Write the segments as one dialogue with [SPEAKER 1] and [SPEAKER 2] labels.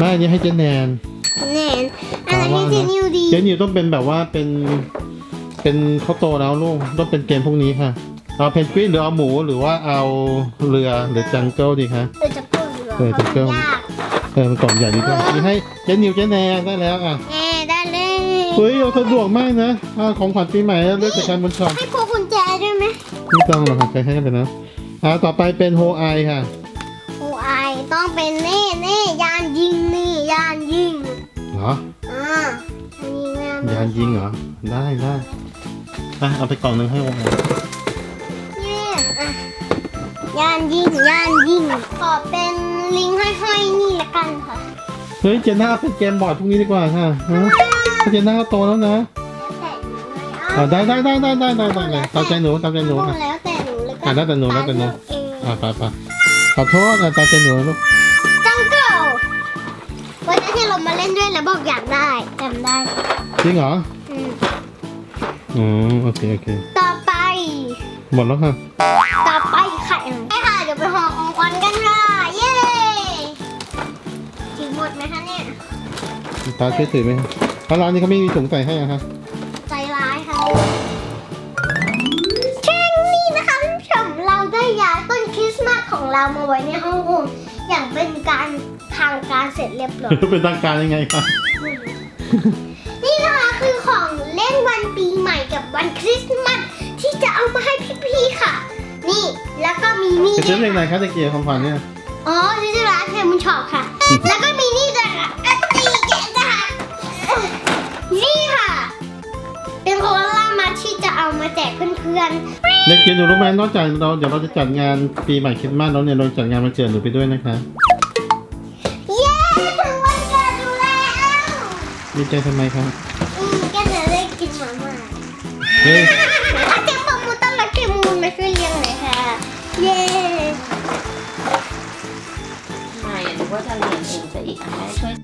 [SPEAKER 1] ไม่อันนี้ให้เจนแนน
[SPEAKER 2] แนนอะไรให้เจนิวดี
[SPEAKER 1] เจนิวต้องเป็นแบบว่าเป็นเขาโตแล้วลูกต้องเป็นเกมพวกนี้ค่ะเอาเพนกวินหรือเอาหมูหรือว่าเอาเรือหรือจังเกิลดีคะ
[SPEAKER 2] จะเพิ่มหรอ
[SPEAKER 1] จังเกิล
[SPEAKER 2] ยาก
[SPEAKER 1] มันกล่องใหญ่ดีด้วยนี่ให้เจนิวเจนแนนได้แล้วอ่ะ
[SPEAKER 2] ได้เลย
[SPEAKER 1] เฮ้ยเราสะดวกมากนะของขวัญปีใหม่เลือกจากการบนช็อป
[SPEAKER 2] ให้พวกกุญแจด้วยไหม
[SPEAKER 1] ไม่ต้องหรอกค่ะใครให้กันไปนะต่อไปเป็นโฮไอค่ะ
[SPEAKER 2] โอ้ไอต้องเป็นเน่ยานยิงนี่ยานยิง
[SPEAKER 1] เหรอ ยานยิงเหรอได้เอาไปกล่องหนึ่งให้โฮไอ
[SPEAKER 2] เนี่ยยานยิงขอเป็นลิงห้อยๆนี่ละกันค่ะ
[SPEAKER 1] เฮ้ยเจน่าเป็นเกมบอร์ดพวกนี้ดีกว่าค่ะเจน่าโตแล้วนะได้ตามใจหนูค่ะ
[SPEAKER 2] แล้วแต่หนูเลยก็
[SPEAKER 1] แล้วแต่หนูไปขอโทษตามใจหนูลูก
[SPEAKER 2] จังเกิลวันนั้นที่เรามาเล่นด้วยแล้วบอกอยากได้จำได้
[SPEAKER 1] จริงเหรอ
[SPEAKER 2] อืม
[SPEAKER 1] โอเค
[SPEAKER 2] ต่อไป
[SPEAKER 1] หมดแล้วค่ะ
[SPEAKER 2] ต่อไปไข่ค่ะเดี๋ยวไปห่อของขวัญกันค่ะเย้ถึงหมดไหมคะเนี่ย
[SPEAKER 1] ตาช่วยถือไหมครับร้านนี้เขาไม่มีถุงใส่ให้อะครับ
[SPEAKER 2] ใจร้ายค่ะแค่นี้นะคะท่านผู้ชมเราได้ย้ายต้นคริสต์มาสของเรามาไว้ในห้องอุ่นอย่างเป็นการทางการเสร็จเรียบร้อย
[SPEAKER 1] เป็นทางการยังไงครับ
[SPEAKER 2] นี่นะคะคือของเล่นวันปีใหม่กับวันคริสต์มาสที่จะเอามาให้พี่ๆค่ะ นี่แล้วก็มีนี่
[SPEAKER 1] จะซื้อเพลงไหนคะตะเกียบของขวัญเนี่ย
[SPEAKER 2] อ๋อที่ร้านเทมุนช็อปค่ะ แล้วก็มีนี่จ้ะค่ะนี่แกะจ้ะค่ะนี่ค่ะ เป็นโคลามาที่จะเอามาแจกเพื่อนๆ
[SPEAKER 1] เด็กเกียรหนูรู้ไหมนอกจากเดี๋ยวเราจะจัดงานปีใหม่คริสต์มาสแล้วเนี่ยเราจัดงานวันเกิดหนูไปด้วยนะคะ
[SPEAKER 2] เย้ถึงวันเกิดดูแล้ว
[SPEAKER 1] ดีใจทำไมครับ
[SPEAKER 2] ก็จะได้กินหมาม่า
[SPEAKER 1] เฮ้ย
[SPEAKER 2] อาเจมมูต้อนรับเจมูนมาช่วยเลี้ยงหน่อยค่ะ เย้
[SPEAKER 3] ไม่หรือว่าจะเรียนเองจะอีกแม่ช่วย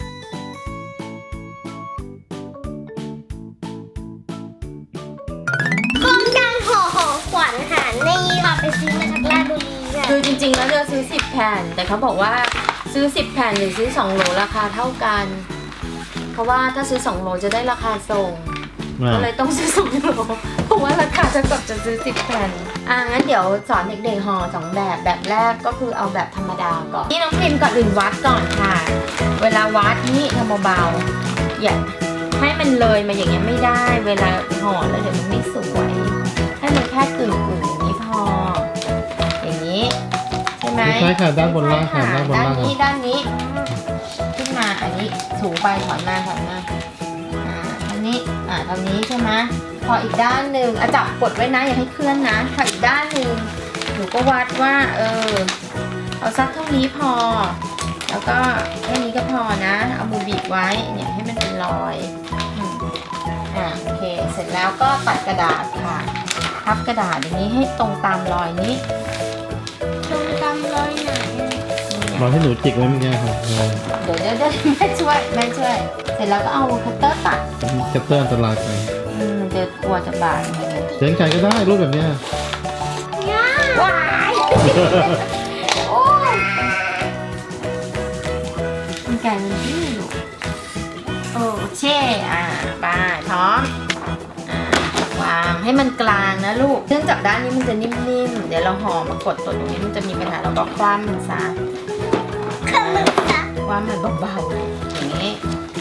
[SPEAKER 2] โครงการห่อของขวัญค่ะนี่ค่ะไปซื้อมาจากราชบุรีค่ะ
[SPEAKER 3] คือจริงๆแล้วจะซื้อ10แผ่นแต่เขาบอกว่าซื้อ10แผ่นหรือซื้อ2โหลราคาเท่ากัน เพราะว่าถ้าซื้อ2โหลจะได้ราคาส่งก็เลยต้องซื้อ2โหลเพราะว่าราคาจะกับจะซื้อ10แผ่นงั้นเดี๋ยวสอนเด็กๆห่อ2แบบแรกก็คือเอาแบบธรรมดาก่อนนี่น้องพิมก่อนอื่นวัดก่อนค่ะ เวลาวัดนี่ทำเบาๆอย่าให้มันเลยมาอย่างเงี้ยไม่ได้ เวลาห่อแล้วเดี๋ยวมันไม่สวยให้มันแค่กึ่งอย่างนี้พออย่างนี้ใช่ไหม
[SPEAKER 1] ใช่ค่ะด้านบนล่างค่ะด้านบน
[SPEAKER 3] ด้าน
[SPEAKER 1] ล่าง
[SPEAKER 3] นี้ด้านนี้ขึ้นมาอันนี้ถูไปถอนมาอันนี้ตรงนี้ใช่ไหมพออีกด้านหนึ่งจับกดไว้นะอย่าให้เคลื่อนนะพออีกด้านหนึ่งหนูก็วัดว่าเอาสักเท่านี้พอ แล้วก็แค่นี้ก็พอนะเอามือบีบไว้เนี่ยให้มันเป็นรอยโอเคเสร็จแล้วก็ตัดกระดาษค่ะพับกระดาษอย่างนี้ให้ตรงตามรอยนี้
[SPEAKER 2] ตรงตามรอยไหน
[SPEAKER 1] บอกให้หนูจิกไว้เมื่อกี้ครับ
[SPEAKER 3] เดี๋ยวแม่ช่วย เสร็จแล้วก็เอาคัตเตอร์ตัด
[SPEAKER 1] คัตเตอร์อันตรายไป
[SPEAKER 3] มันจะกลัวจะบาดไง
[SPEAKER 1] เลี้ยงไก่ก็ได้รูปแบบเนี้ย
[SPEAKER 3] ว้ายโอ้ยมันไก่มันดื้อลูกโอเคไปพร้อมวางให้มันกลางนะลูกเนื่องจากด้านนี้มันจะนิ่มๆเดี๋ยวเราห่อมากดตัวตรงนี้มันจะมีปัญหาเราก็คว่ำมันซะ
[SPEAKER 2] ขมึกค่ะ
[SPEAKER 3] ว่ามันเบาๆอย่างนี้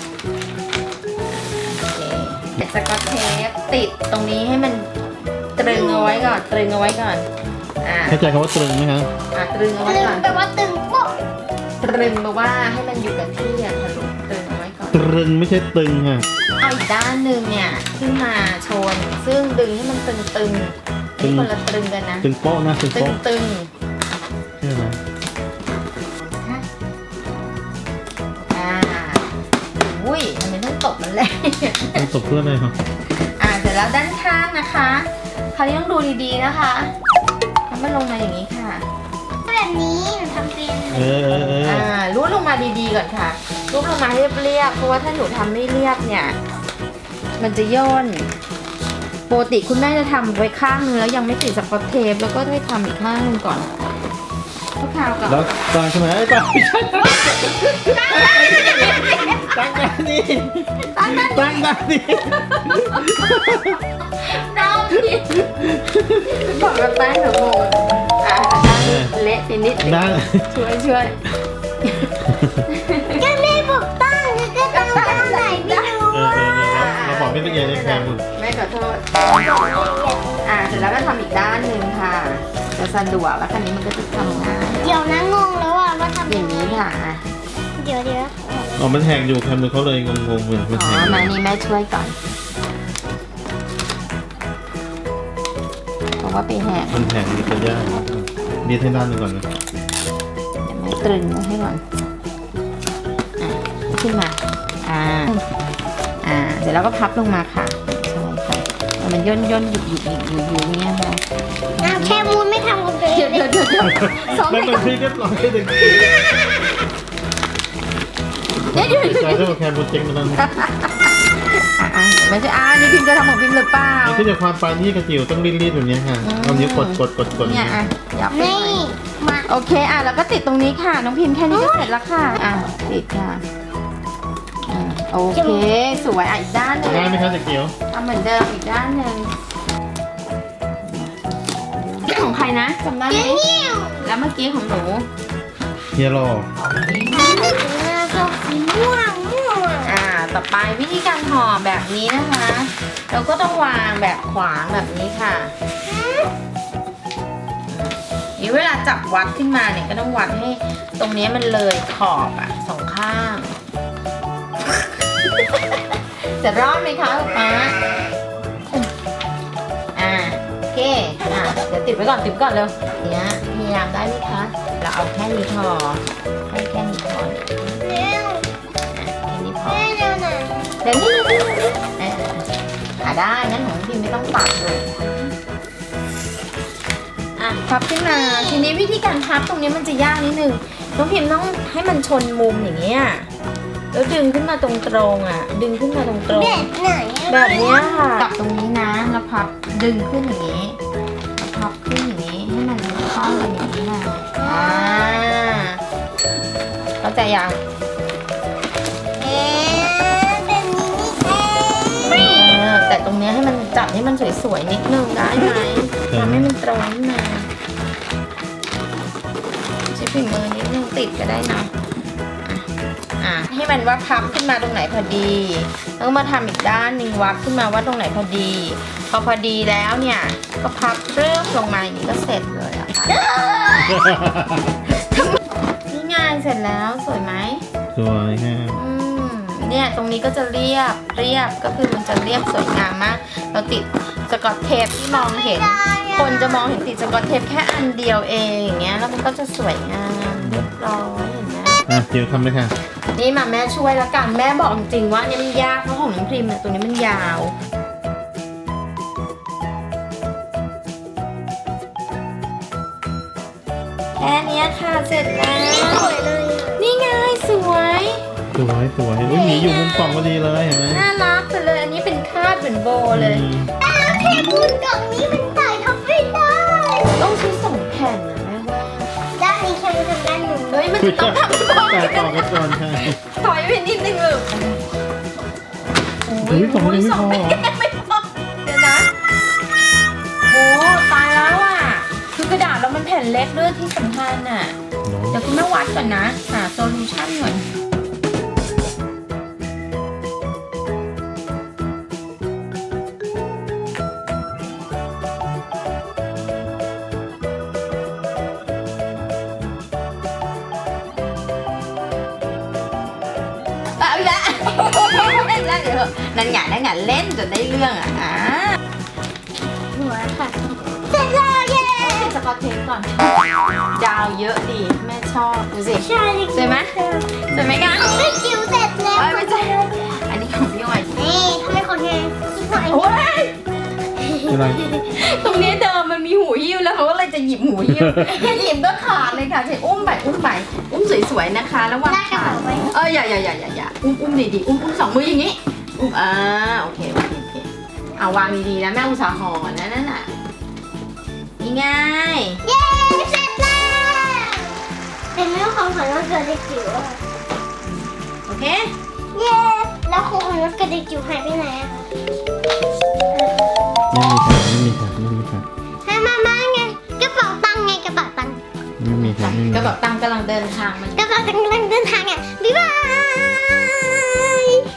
[SPEAKER 3] โอเคเดี๋ยวสกอตเทปติดตรงนี้ให้มันตรึงเอาไว้ก่อน
[SPEAKER 1] เข้าใจคำว่าตรึงไหมครับ
[SPEAKER 3] ตรึงเอาไว้
[SPEAKER 2] ตึง
[SPEAKER 3] ก่อน
[SPEAKER 2] แปลว่าตึงโป๊ะ
[SPEAKER 3] ตรึงแปลว่าให้มันอยู่กับที่ทะลุตรึงเอาไว้ก่อน
[SPEAKER 1] ตรึงไม่ใช่ตึงค่ะ
[SPEAKER 3] เอาอีกด้านหนึ่งเนี่ยขึ้นมาชนซึ่งดึงให้มันตึงๆนี่คนละตรึงกันนะ
[SPEAKER 1] ตึงโป๊ะนะตึง
[SPEAKER 3] ตึ
[SPEAKER 1] โป๊ะ
[SPEAKER 3] ง
[SPEAKER 1] ใช่ไหม
[SPEAKER 3] อุ้ยทำไมต้องตบมันเลย
[SPEAKER 1] ต้องตบเพื่อนเลยครับ
[SPEAKER 3] เสร็จแล้วด้านข้างนะคะคราวนี้ต้องดูดีๆนะคะทำมันลงมาอย่างนี้ค่ะ
[SPEAKER 2] แบบนี้หนูทำเป็น
[SPEAKER 3] รูดลงมาดีๆก่อนค่ะรูดลงมาให้เรียบๆเพราะว่าถ้าหนูทำไม่เรียบเนี่ยมันจะย่นปกติคุณแม่จะทำไว้ข้างนึงแล้วยังไม่ติดสกอตเทปแล้วก็ให้ทำอีกข้างนึงก่อนชั่วคราวก่อน
[SPEAKER 1] แล้วตั้งใช่ไหมไอ้ตั้งไม่ใช่ตั้งด้านนี้ตั้งด้านนี้
[SPEAKER 3] น้องพี่บอกกับแป้งหนูโมเละไปนิด
[SPEAKER 1] ด้าน
[SPEAKER 3] ช่วย
[SPEAKER 2] ก็ไม่บอกตั้งก็ตั้งด้านไหนไม่รู้อ่ะ
[SPEAKER 1] เราบอกไม่ละเอียดเลยแคม
[SPEAKER 3] แม่ขอโทษเสร็จแล้วก็ทำอีกด้านหนึ่งค่ะจะสะดวกแล้วคันนี้มันก็จะทำง่าย
[SPEAKER 2] เดี๋ยวนะงงแล้วอ่ะว่าทำ
[SPEAKER 3] อย่างนี้ค่ะ
[SPEAKER 2] เดี๋ยว
[SPEAKER 1] อ๋อมันแหกอยู่แคมเขาเลยงงๆเลยมัน
[SPEAKER 3] อ๋
[SPEAKER 1] แห
[SPEAKER 3] อก มานี่แม่ช่วยก่อนเพราะว่าไปแหก
[SPEAKER 1] มันแหกมีตัวย่างดีให้ด้านหนึ่งก่อนนะ
[SPEAKER 3] เดี๋ยวแม่ตรึงไว้ให้ก่อนขึ้นมาเดี๋ยวเราก็พับลงมาค่ะใช่ค่ะมันย่นหยุบอย่างเงี้ยค่ะ
[SPEAKER 2] อ้าวแค่มูนไม่ทำกับตัวเองเลย
[SPEAKER 3] เดี๋ยวสอง
[SPEAKER 1] ไม่เป็นพี่เรียบร้อยเลย
[SPEAKER 3] เดี๋ยว
[SPEAKER 1] ใจได้ว่าแคมบนเจ๊งมาแล้ว
[SPEAKER 3] ไม่ใช่นี่พิมจะทำของพิมหรือเปล่า
[SPEAKER 1] มันขึ้นจากความปานที่กระจิ๋วต้องรีดแบบนี้ค่ะเอานิ้วกด
[SPEAKER 3] เนี่ยยับไปหน่
[SPEAKER 2] นี่
[SPEAKER 3] อย
[SPEAKER 2] มา
[SPEAKER 3] โอเคแล้วก็ติดตรงนี้ค่ะน้องพิมแค่นี้ก็เสร็จแล้วค่ะติดค่ะโอเคสวยอีกด้านหนึ่ง
[SPEAKER 1] ได้ไหมคะกระจิ๋ว
[SPEAKER 3] ทำเหมือนเดิมอีกด้านหนึ่งของใครนะจำได้ไหม
[SPEAKER 2] นิ้ว
[SPEAKER 3] แล้วเมื่อกี้ของหนู
[SPEAKER 1] เฮียรอ
[SPEAKER 2] ชอบสีม่วง
[SPEAKER 3] ต่อไปวิธีการห่อแบบนี้นะคะ เราก็ต้องวางแบบขวางแบบนี้ค่ะนี่เวลาจับวัดขึ้นมาเนี่ยก็ต้องวัดให้ตรงนี้มันเลยขอบสองข้าง จะรอดไหมคะป๊าโอเคเดี๋ยวติดไว้ก่อนเร็วเนี้ยพยายามได้ไหมคะเราเอาแค่นี้พอให้แค่นี้พอ
[SPEAKER 2] เร็ว
[SPEAKER 3] แค่นี้พอ
[SPEAKER 2] เร็วหน่อย
[SPEAKER 3] เดี๋ยวนี้ได้งั้นของพิมไม่ต้องปัดเลยพับขึ้นมาทีนี้วิธีการพับตรงนี้มันจะยากนิดนึงน้องพิมต้องให้มันชนมุมอย่างเงี้ยแล้วดึงขึ้นมาตรงดึงขึ้นมาตรง
[SPEAKER 2] แบบไหน
[SPEAKER 3] แบบนี้ค่ะจับตรงนี้นะแล้วพับดึงขึ้นอย่างนี้แล้วพับขึ้นอย่างนี้ให้มันเข้ากันอย่างนี้นะเข้าใจยัง
[SPEAKER 2] เป็นนี้
[SPEAKER 3] แต่ตรงนี้ให้มันจับให้มันสวยๆนิดนึงได้ไหมทำให้มันตรงขึ้นมาใช้ฝีมือนิดนึงติดก็ได้นะให้มันว่าพับขึ้นมาตรงไหนพอดีแล้วมาทำอีกด้านหนึ่งวัดขึ้นมาว่าตรงไหนพอดีพอดีแล้วเนี่ยก็พับเริ่มลงมาอย่างนี้ก็เสร็จเลยอะค่ะนี่ไงเสร็จแล้วสวยไหม
[SPEAKER 1] สวยค่ะ
[SPEAKER 3] เนี่ยตรงนี้ก็จะเรียบก็คือมันจะเรียบสวยงามมากเราติดสกอตเทปที่มองเห็นคนจะมองเห็นติดสกอตเทปแค่อันเดียวเองอย่างเงี้ยแล้วมันก็จะสวยงามเรียบร้อยเห็นไหม
[SPEAKER 1] จิ๋วทำเลยค่ะ
[SPEAKER 3] นี่มาแม่ช่วยแล้วกันแม่บอกจริงๆว่าเนี่ยมันยากเพราะของน้องพริมเนี่ยตัวนี้มันยาวแค่นี้ค่ะเสร็จแล้ว
[SPEAKER 2] สวยเลย
[SPEAKER 3] นี่ไงสวย
[SPEAKER 1] สวยหมีอยู่มุมกล่องพอดีเลยเห็นไหม
[SPEAKER 3] น่ารักไปเลยอันนี้เป็นคาดเหมือนโบเลย
[SPEAKER 2] แล้วเทปูนกล่องนี้มันใส่ทับไม่ได้
[SPEAKER 3] ต้องใช้2 แผ่นนะแม่ว่า
[SPEAKER 2] ด้านนี้แค่ทำด้านหนึ่ง
[SPEAKER 3] เฮ้ยมันจะต้องทำต่อ
[SPEAKER 1] แต่ต่อกันก่อนค่ะ
[SPEAKER 3] ถอยไปนิดนึงเลย
[SPEAKER 1] เฮ้ย2ยังไม่พอ
[SPEAKER 3] ไม่พอเดี๋ยวนะโอ้ตายแล้วอ่ะคือกระดาษเรามันแผ่นเล็กด้วยที่สำคัญอ่ะเดี๋ยวคุณแม่วัดก่อนนะหาโซลูชั่นก่อนแล้วเดี๋ยวนั่นไงเล่นจนได้เรื่อง
[SPEAKER 2] หัวค่ะเสร็จแล้วเย้
[SPEAKER 3] ติดสกอตเทปก่อนดาวเยอะดีแม่ชอบดูสิ
[SPEAKER 2] ใช่
[SPEAKER 3] สวยไหมสวยไหมกัน
[SPEAKER 2] ไม่จิ๋วเสร็จแล้ว
[SPEAKER 3] ไม่ใช่อันนี้ของพี่อ้อย
[SPEAKER 2] นี่ทำไมของเธอสวย
[SPEAKER 3] โอ้ย
[SPEAKER 1] อะไร
[SPEAKER 3] ตรงนี้เดิมมันมีหูหิ้วแล้วเขาก็เลยจะหยิบหูหิ้วหยิบก็ขาดเลยค่ะใช่อุ้มสวยๆนะคะแล้ววาง
[SPEAKER 2] ได้กระ
[SPEAKER 3] ขา
[SPEAKER 2] เป๋าไว้
[SPEAKER 3] อย่าอุ้มดีๆอุ้ม2 มืออย่างนี้อุ้มโอเคเอาวางดีๆนะแม่อุตส่าห์ห่อนะนั่นน่ะนี่ไง
[SPEAKER 2] เย้เสร็จแล้วกระเด็กจิ๋วอะ
[SPEAKER 3] โอเค
[SPEAKER 2] เย้แล้วของรถกระเด็กจิ๋วหายไปไหนอะคะ
[SPEAKER 1] ไม่มีค่ะไม่มีค่ะ
[SPEAKER 2] ให้มาไงกระเป๋าตังค์ไงกระเป๋าตังค์
[SPEAKER 1] ไม่มีค่ะไม่มี
[SPEAKER 3] กระเป๋าตังค์กำลังเดินทางมัน
[SPEAKER 2] กระเป๋าตังค์กำลังเดินทางอ่ะบ๊ายบาย